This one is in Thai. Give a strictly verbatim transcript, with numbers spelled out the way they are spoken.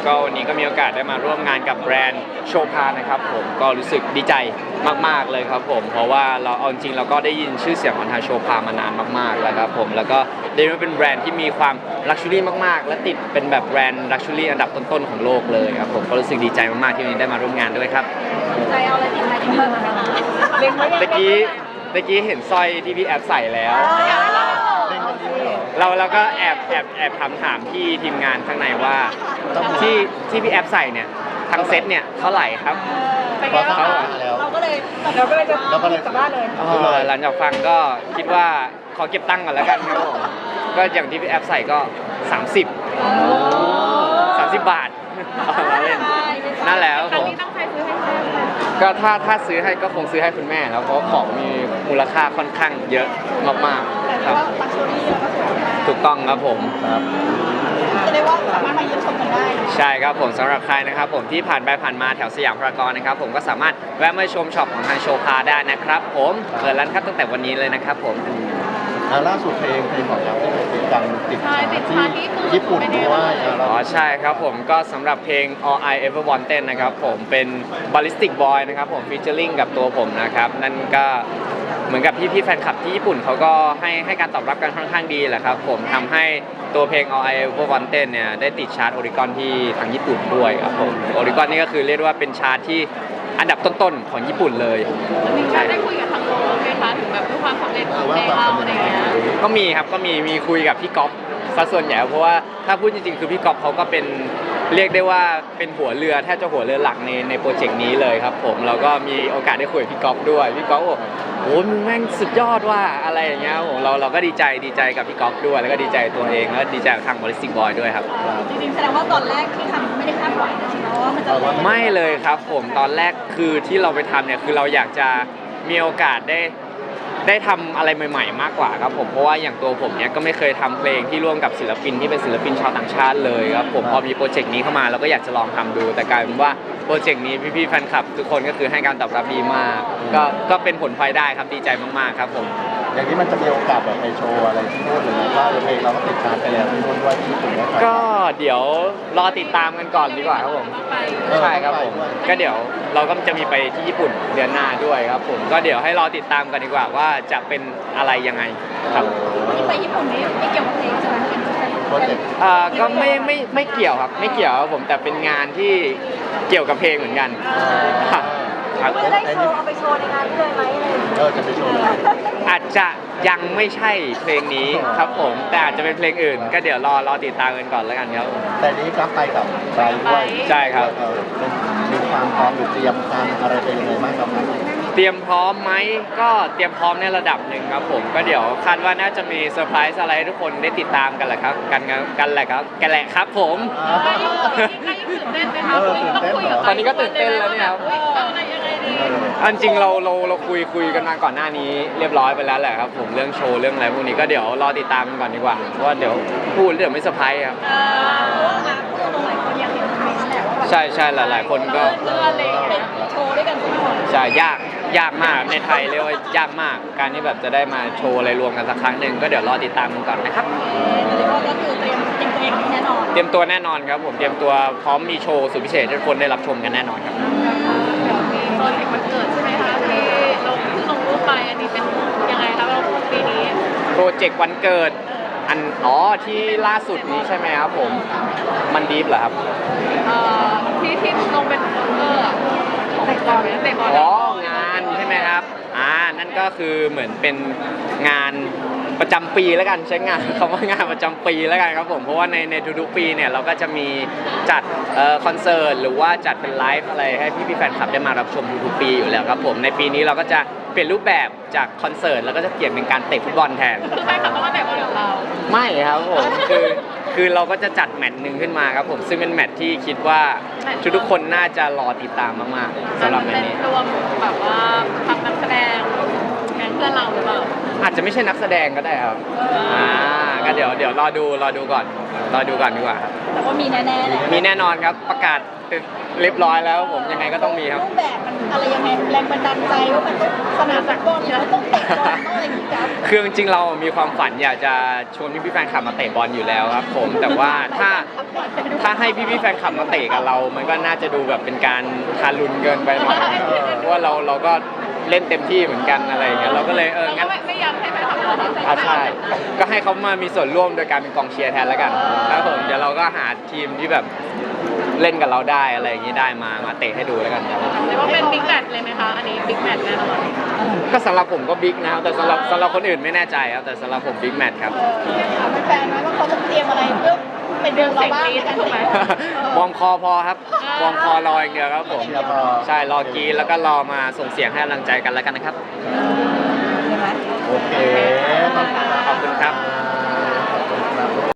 ก็วันนี้ก็มีโอกาสได้มาร่วมงานกับแบรนด์โชพานะครับผมก็รู้สึกดีใจมากๆเลยครับผมเพราะว่าเราเอาจริงเราก็ได้ยินชื่อเสียงของทางโชพามานานมากๆแล้วครับผมแล้วก็ได้รู้ว่าเป็นแบรนด์ที่มีความลักชัวรี่มากๆและติดเป็นแบบแบรนด์ลักชัวรี่อันดับต้นๆของโลกเลยครับผมก็รู้สึกดีใจมากๆที่วันนี้ได้มาร่วมงานด้วยครับใจเอาอะไรติดไม้ติดมือมาเล็งไว้ยังตะกี้ตะกี้เห็นสร้อยที่พี่แอฟใส่แล้วเราเราก็แอบแอบแอบถามถามพี่ทีมงานข้างในว่าที่ที่พี่แอฟใส่เนี่ยทั้งเซ็ตเนี่ยเท่าไหร่ครับเป็นไงบ้างคะเราก็เลยเราก็เลยจะเราก็เลยกลับบ้านเลยหลังจากฟังก็คิดว่าขอเก็บตังค์ก่อนแล้วกันครับผมก็อย่างที่พี่แอฟใส่ก็สามสิบ สามสิบบาทนั่นแหละครับผมก็ถ้าถ้าซื้อให้ก็คงซื้อให้คุณแม่แล้วเพราะของมีมูลค่าค่อนข้างเยอะมากๆครับถูกต้องครับผมครับจะได้ว่าสามารถมาเยี่ยมชมกันได้ใช่ครับผมสำหรับใครนะครับผมที่ผ่านไปผ่านมาแถวสยามพารากอนนะครับผมก็สามารถแวะมาชมช็อปของทางโชพาได้นะครับผมเปิดร้านครับตั้งแต่วันนี้เลยนะครับผมล่าสุดเพลงเพลงของเราที่เป็นดังติดที่ญี่ปุ่นด้วยอ๋อใช่ครับผมก็สำหรับเพลง All I Ever Wanted นะครับผมเป็น Ballistic Boy นะครับผมฟีเจอริ่งกับตัวผมนะครับนั่นก็เหมือนกับพี่พี่แฟนคลับที่ญี่ปุ่นเขาก็ให้ให้การตอบรับกันค่อนข้างดีแหละครับผมทำให้ตัวเพลง All I Ever Wanted เนี่ยได้ติดชาร์ตโอริกอนที่ทางญี่ปุ่นด้วยครับผมโอริกอนนี่ก็คือเรียกว่าเป็นชาร์ตที่อันดับต้นๆของญี่ปุ่นเลยมีการได้คุยกับทางโลกไหมคะถึงแบบด้วยความสำเร็จของเพลงเราอะไรเงี้ยก็มีครับก็มีมีคุยกับพี่ก๊อฟซะส่วนใหญ่เพราะว่าถ้าพูดจริงๆคือพี่ก๊อฟเขาก็เป็นเรียกได้ว่าเป็นหัวเรือแทบจะหัวเรือหลักในในโปรเจกต์นี้เลยครับผมแล้วก็มีโอกาสได้คุยกับพี่ก๊อฟด้วยพี่ก๊อฟบอกโอ้มึงแม่งสุดยอดว่าอะไรอย่างเงี้ยผมเราเราก็ดีใจดีใจกับพี่ก๊อฟด้วยแล้วก็ดีใจตัวเองแล้วดีใจกับทาง Ballistic Boy ด้วยครับจริงๆแสดงว่าตอนแรกที่ทำไม่ได้คาดหวังนะใช่ไหมว่ามันจะไม่เลยครับผมตอนแรกคือที่เราไปทำเนี่ยคือเราอยากจะมีโอกาสได้ได้ทำอะไรใหม่ๆมากกว่าครับผมเพราะว่าอย่างตัวผมเนี่ยก็ไม่เคยทำเพลงที่ร่วมกับศิลปินที่เป็นศิลปินชาวต่างชาติเลยครับผมพอมีโปรเจกต์นี้เข้ามาเราก็อยากจะลองทำดูแต่กลายเป็นว่าโปรเจกต์นี้พี่ๆแฟนคลับทุกคนก็คือให้การตอบรับดีมากก็ก็เป็นผลพลอยได้ครับดีใจมากๆครับผมอย่างนี้มันจะมีโอกาสแบบไปโชว์อะไรที่นู่นหรือว่าเพลงเราก็ติดตามไปแล้วที่นู่นด้วยที่ญี่ปุ่นก็เดี๋ยวรอติดตามกันก่อนดีกว่าครับผมใช่ครับผมก็เดี๋ยวเราก็จะมีไปที่ญี่ปุ่นเดือนหน้าด้วยครับผมก็เดี๋ยวให้รอติดตามกันดีกว่าว่าจะเป็นอะไรยังไงครับที่ไปญี่ปุ่นนี้ไม่เกี่ยวกับเพลงใช่ไหมโปรเจกต์อ่าก็ไม่ไม่ไม่เกี่ยวครับไม่เกี่ยวครับผมแต่เป็นงานที่เกี่ยวกับเพลงเหมือนกันครับจะได้โชว์เอาไปโชว์ในงานด้วยไหมเลยเออจะไปโชว์อาจจะยังไม่ใช่เพลงนี้ครับผมแต่อาจจะเป็นเพลงอื่นก็เดี๋ยวรอรอติดตามกันก่อนแล้วกันครับแต่นี้ก็ไปกับไปด้วยใช่ครับมีความพร้อมหรือเตรียมการอะไรเป็นยังไงบ้างครับเตรียมพร้อมไหมก็เตรียมพร้อมในระดับหนึ่งครับผมก็เดี๋ยวคาดว่าน่าจะมีเซอร์ไพรส์อะไรให้ทุกคนได้ติดตามกันแหละครับกันกันแหละครับกันแหละครับผมตอนนี้ก็ตื่นเต้นแล้วเนี่ยครับอันจริงเราเราเราคุยคุยกันมาก่อนหน้านี้เรียบร้อยไปแล้วแหละครับผมเรื่องโชว์เรื่องอะไรพวกนี้ก็เดี๋ยวรอติดตามกันก่อนดีกว่าเพราะว่าเดี๋ยวพูดเดี๋ยวไม่เซอร์ไพรส์ครับใช่ใช่หลายๆคนก็โชว์ด้วยกันใช่ยากยากมากในไทยเรียกว่ายากมากการที่แบบจะได้มาโชว์อะไรรวมกันสักครั้งหนึ่งก็เดี๋ยวรอติดตามกันก่อนนะครับเรียกว่าก็คือเตรียมเตรียมตัวเองแน่นอนเตรียมตัวแน่นอนครับผมเตรียมตัวพร้อมมีโชว์สุดพิเศษให้ทุกคนได้รับชมกันแน่นอนครับมีโปรเจกต์วันเกิดใช่ไหมคะที่ลงที่ลงรูปไปอันนี้เป็นยังไงครับเราปีนี้โปรเจกต์วันเกิดอันอ๋อที่ล่าสุดนี้ใช่ไหมครับผมมันดีฟเหรอครับเอ่อที่ที่ลงเป็นเออเตะบอลเตะบอลอ๋องานใช่ไหมครับอ่านั่นก็คือเหมือนเป็นงานประจำปีแล้วกันใช้งานคำว่างานประจำปีแล้วกันครับผมเพราะว่าในในทุกๆปีเนี่ยเราก็จะมีจัดเอ่อคอนเสิร์ตหรือว่าจัดเป็นไลฟ์อะไรให้พี่พี่แฟนคลับได้มารับชมทุกๆปีอยู่แล้วครับผมในปีนี้เราก็จะเปลี่ยนรูปแบบจากคอนเสิร์ตแล้วก็จะเปลี่ยนเป็นการเตะฟุตบอลแทนคือแฟนคลับต้องมาเตะบอลกับเราไม่ครับผมคือคือเราก็จะจัดแมตช์หนึ่งขึ้นมาครับผมซึ่งเป็นแมตช์ที่คิดว่าทุกๆคนน่าจะรอติดตามมากๆสำหรับแมตช์นี้รวมแบบว่าทำนักแสดงแก๊งเพื่อนเราหรือเปล่าอาจจะไม่ใช่นักแสดงก็ได้ครับอ่าก็เดี๋ยวเดี๋ยวรอดูรอดูก่อนรอดูก่อนดีกว่าแต่ว่ามีแน่ๆแหละมีแน่นอนครับประกาศเรียบร้อยแล้วผมยังไงก็ต้องมีครับรูปแบบมันอะไรยังไงแรงบันดาลใจว่ามันต้องสนามฟุตบอลแล้วต้องเตะบอลต้องอะไรอย่างงี้ครับคือจริงๆเรามีความฝันอยากจะชวนพี่ๆแฟนคลับมาเตะบอลอยู่แล้วครับผมแต่ว่าถ้าถ้าให้พี่ๆแฟนคลับมาเตะกับเรา มันก็น่าจะดูแบบเป็นการทารุณเกินไปหน่อยเพราะว่าเราเราก็เล่นเต็มที่เหมือนกันอะไรอย่างเงี้ยเราก็เลยเออเราก็งั้นไม่ไม่อยากให้ไปทำอะไรอ่าใช่ ก็ให้เขามามีส่วนร่วมโดยการเป็นกองเชียร์แทนแล้วกันครับผมเดี๋ยวเราก็หาทีมที่แบบเล่นกับเราได้อะไรอย่างงี้ได้มามาเตะให้ดูแล้วกันครับเรียกว่าเป็นบิ๊กแมตช์เลยไหมคะ อันนี้บิ๊กแมตช์แน่นอนก็สำหรับผมก็บิ๊กนะครับแต่สำหรับสำหรับคนอื่นไม่แน่ใจครับแต่สำหรับผมบิ๊กแมตช์ครับเออถามแฟนๆไหมว่าเขาต้องเตรียมอะไรเพื่อไปดูเราบ้างในการเตะบอลวอร์มคอพอครับวอร์มคอรออย่างเดียวครับผมเชียร์พอใช่รอกรีดแล้วก็รอมาส่งเสียงให้กำลังใจกันแล้วกันนะครับใช่ไหมโอเคขอบคุณครับขอบคุณครับ